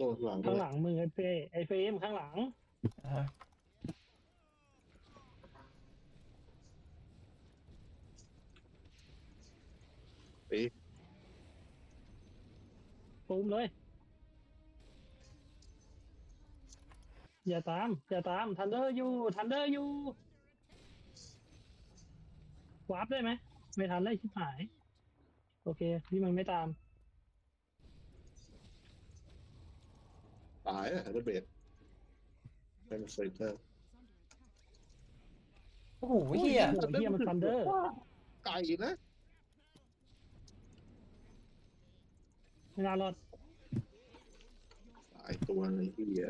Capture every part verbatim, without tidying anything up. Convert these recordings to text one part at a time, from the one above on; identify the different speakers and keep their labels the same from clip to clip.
Speaker 1: ตัวหลังด้
Speaker 2: ข้า
Speaker 1: วย
Speaker 2: งหลังมึงไอ้เฟยไอ้เฟรมข้างหลัง
Speaker 3: อ่า
Speaker 1: เอ๊ะ
Speaker 2: ตูมเลย อย่าตามอย่าตามทันเดอร์อยู่ทันเดอร์อยู่วาร์ปได้ไหมไม่ทันเลยชิบหายโอเคพี่มันไม่ตาม
Speaker 1: ตายอ่ะเดเบดเป็นเฟเตอร์
Speaker 3: โอ้โหเฮีย
Speaker 2: โอ้โหเฮียมันทันเดอร์
Speaker 1: ไก่นะ
Speaker 2: ไม่น่ารอด
Speaker 1: ตายตัวในที่เดีย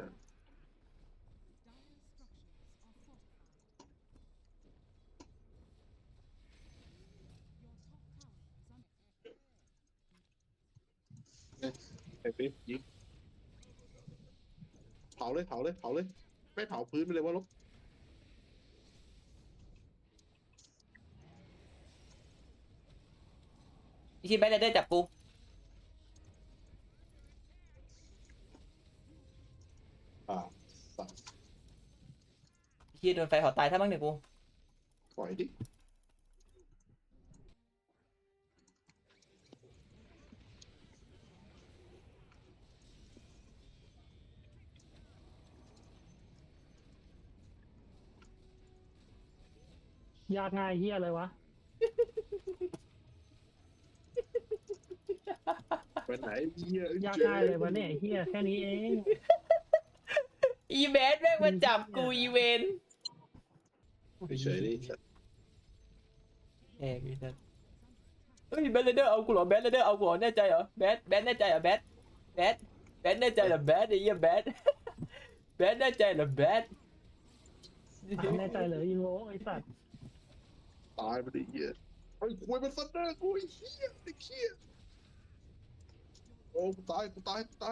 Speaker 1: ไอ้ปิ๊บยิงเผาเลยเผาเลยเผาเลยไม่เผาพื้นไปเลยว่าลบ
Speaker 3: อีทีแบทเลเดอร์จับกู
Speaker 1: อ่าสัตว์
Speaker 3: อีทีโดนไฟเผาตายถ้ามั่งหนึ่งกู
Speaker 1: ถอยดิ
Speaker 2: ยากง่ายเฮียเลยวะ
Speaker 1: ไปไหนเหี้ย
Speaker 2: ยากง่ายเลยวะเนี่ยเฮียแค่นี้เอง
Speaker 3: อีแบทแม่งมาจับกูอีเวน
Speaker 1: เฉยๆดิสัตว์
Speaker 3: เอ้ยพี่สัสเฮ้ยแบทเลเดอร์เอากูเหรอแบทเลเดอร์เอากูเหรอแน่ใจเหรอแบทแบทแน่ใจเหรอแบทแบทแบทแน่ใจเหรอแบทไอ้เหี้ยแบทแบทแน่ใจเหรอแบท
Speaker 2: แน่ใจเลยยิงโง่ไอ้สัตว์
Speaker 1: ตายไปดิเหี้ยไอ้คุยมันซันเดอร์กูไอ้เหี้ยไอ้เหี้ยโอ้กูตายกูตายกูตาย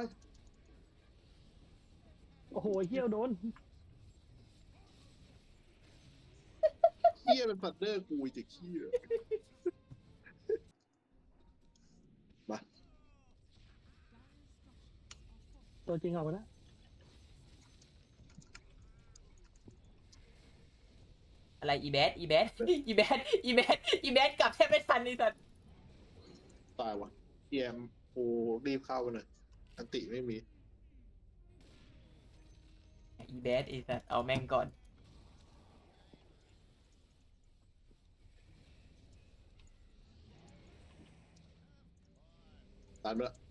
Speaker 2: โอ้โหเฮียโดน
Speaker 1: เหี้ยเป็นซันเดอร์กูไอ้เด็กเหี้ยมา
Speaker 2: ตัวจริงออกมาแล้ว
Speaker 3: อะไรอีแบทอีแบทอีแบทอีแบทอีแบทกลับแทบไม่ทันไอ้สัส
Speaker 1: ตายวะเอ็มโอ้รีบเข้าไปหน่อยอันติไม่มี
Speaker 3: อีแบทไอ้สัสเอาแม่งก่อน
Speaker 1: ตามด้วย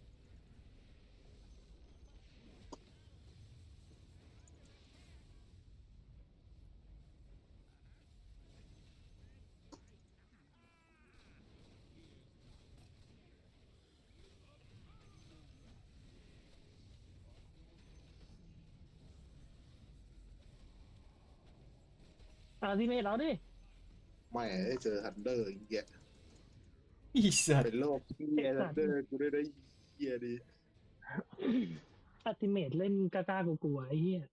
Speaker 2: อ่าที่เมทเราดิ
Speaker 1: ไม่ได้เจอฮันเดอร์อีกแยะ
Speaker 3: อีสัส
Speaker 1: เป็นโรคเหี้ยฮันเดอร์กูได้ได้เหี้ยดี
Speaker 2: อัติเมทเล่นกล้าๆกลัวๆไอ้เหี้ย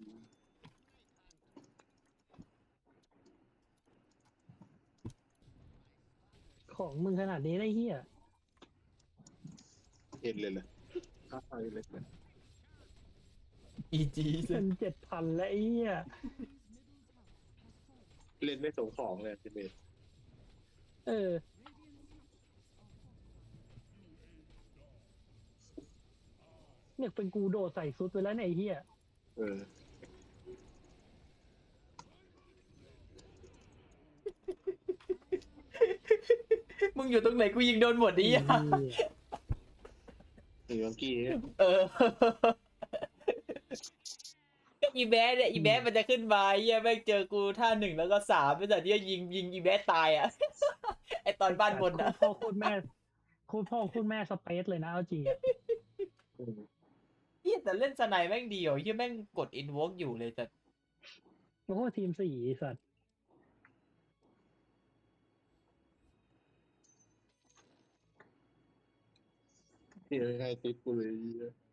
Speaker 2: ของมึงขนาดนี้ได้เหี้ย
Speaker 1: เห็นเลยเลยข้าไปเลยเลย
Speaker 3: อีจี
Speaker 2: เป็นเจ็ดพันแล้วไอ้เหี้ย
Speaker 1: เล่นไม่สงของเลยทีเมท
Speaker 2: เออเนี่ยเป็นกูโดดใส่ซุดไปแล้วเนี่ยไอ้เหี้ย
Speaker 1: เออ
Speaker 3: มึงอยู่ตรงไหนกูยิงโดนหมดดิอ่ะ
Speaker 1: ไอ้เมื่อกี้เนี่ย
Speaker 3: เออก็อีแบทเนี่ยอีแบทมันจะขึ้นมาเฮียแม่งเจอกูท่าหนึ่งแล้วก็สามไม่แต่ที่ยิงยิงอีแบทตายอ่ะ ไอตอนบ้านบน
Speaker 2: โค
Speaker 3: อ่ะ
Speaker 2: ตรพ่อโคตรแม่โคตรพ่อโคตรแม่สเปซเลยนะเอาจริงอะ
Speaker 1: อืม
Speaker 3: เฮียแต่เล่นสไนแม่งดีอ่ะเฮียแม่งกดอินวอล์กอยู่เลยแต่
Speaker 2: โอ้โหทีมสี่ไอ้สัตว์
Speaker 1: ที่ให้ติดกูเลยไอ้เหี้ย